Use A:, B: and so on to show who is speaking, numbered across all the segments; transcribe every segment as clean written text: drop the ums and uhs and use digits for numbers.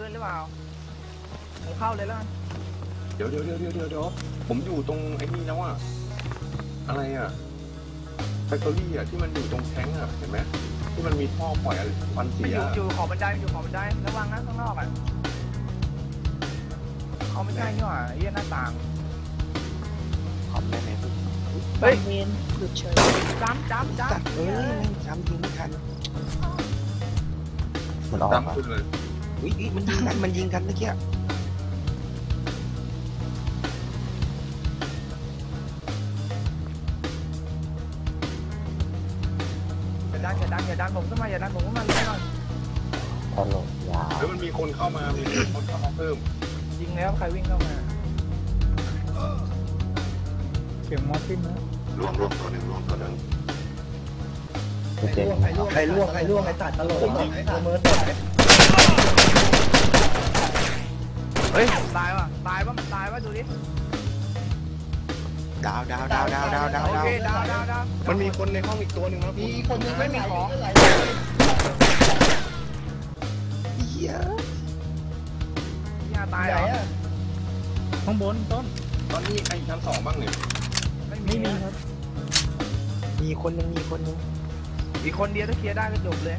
A: ลื่นหรือเปล่าผมเข้าเลยแล้วกัน
B: เดี๋ยวผมอยู่ตรงไอ้นี่แล้วอะอะไรอะแฟคทอรี่อะที่มันอยู่ตรงแท้งอะเห็นไหมที่มันมีท่อปล่อยควันเสีย
A: อยู่ขอบบันไดระวังนะข้างนอกอะเขาไม่ใช่นี่หว่าเยี่ยหน้าต่าง
C: ขอบได้ไหม
A: เฮ้ย
D: เวนหยุดเฉย
A: จ้ำ
C: จำยิงไม่ทันมันออกอ่ะอุ้ยมันยิงกันเมื่อกี้
A: อย่าดันผมขึ้นมาเลยหน่อย
C: ตลกยาว
B: แล้วมันมีคนเข้ามาเพิ่ม
A: ยิงแล้วใครวิ่งเข้ามาเสียงมอสซินนะ
B: รวมตัวหนึ่ง
E: ใครล่วงไอ้ตัดตลกผมยิงเมิร์ด
A: เฮ้ยตายป่ะดูดิ
C: ดาว
A: โอเคดาว
B: มันมีคนในห้องอีกตัวหนึ่งนะ
E: มีคนยัง
A: ไม่มีของ
C: เหี้ย
A: ตายเหรอ
D: ข้างบนต้น
B: ตอนนี้ใครชั้น2บ้างเนี่ย
D: ไม่มีครับ
C: มีคนนึง
A: อีกคนเดียวถ้าเคลียร์ได้ก็จบเลย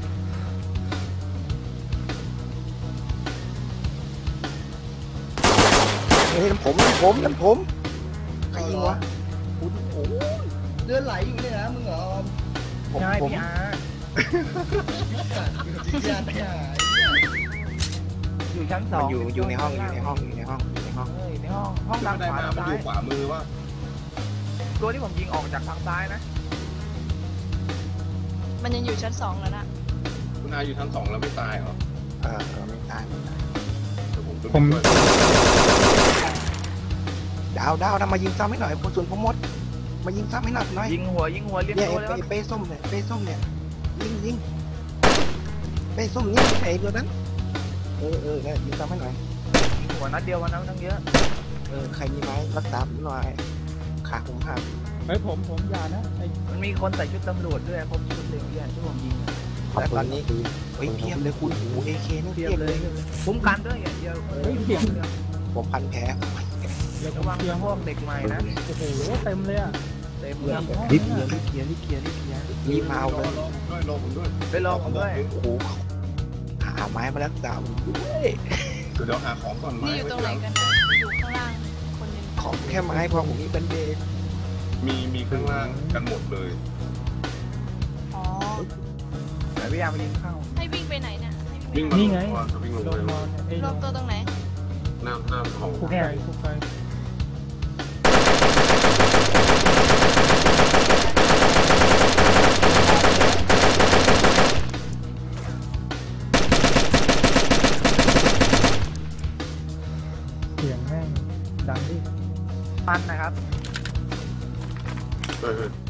C: เฮ้ยผมใครยิงวะคุณโอ้
E: เลือดไหลอยู่เนี่ยนะมึงเหรอ
A: ใช่พี่อาอยู่ชั้น2
C: อยู่ในห้องห้อง
A: ดังขวา
B: ซ้ายขวามือว่า
A: ตัวที่ผมยิงออกจากทางซ้ายนะ
D: มันยังอยู่ชั้น2แล้วนะ
B: คุณอาอยู่ชั้น2แล้วไม่ตายเหรอ
C: ไม่ตาย
B: ผม
C: ดาวทำมายิงซ้ำให้หน่อยส่วนผมมดมายิงซ้ำให้หน่อย
A: ยิงหัวเรียบร้อยแล้ว
C: เป้ส้มเนี่ยยิงเป้ส้มนี่ไอ้ตัวนั้นเนี่ยยิงซ้ำให้หน่อย
A: ยิงหัวนัดเดียววันนั้นตั้งเยอะ
C: ใครมีไม้รักษาผมหน่อยขาผมหัก
D: ผมอย่านะ
A: มันมีคนใส่ชุดตำรวจด้วยครบชุดเลยที่ผมยิง
C: แต่ตอนนี้เพียบเลยคุณโอ้AKนี่เพียบเลย
A: คุ้มกันด้วยอย่างเดียว
C: ผมพันแผล
A: ระวังพวกเด็กใหม่นะ
D: โอ้โหเต็มเลย
C: รีบเคลียร์รีบมาเอาเลย
A: ไปรอผมด้วย
C: โอ้โหหาไม้มารักษาผมด้วย
B: เดี๋ยวหาของก่อน
D: นี่อยู่ตรงไหนกันอยู่ข้างล่างคนนึง
C: ของแค่ไม้พอผมมีเป็นเดย์
B: มีข้างล่างกันหมดเลย
D: อ๋อ
A: แต่พี่ยามายิงเข้า
D: ให้วิ่งไปไหนเนี่ย
B: นี่ไงวิ่งลง
D: รอบตัวตรงไหน
B: น้ำของ
D: คุกไก่เสียงแม่งดังดิ
A: ปันนะครับ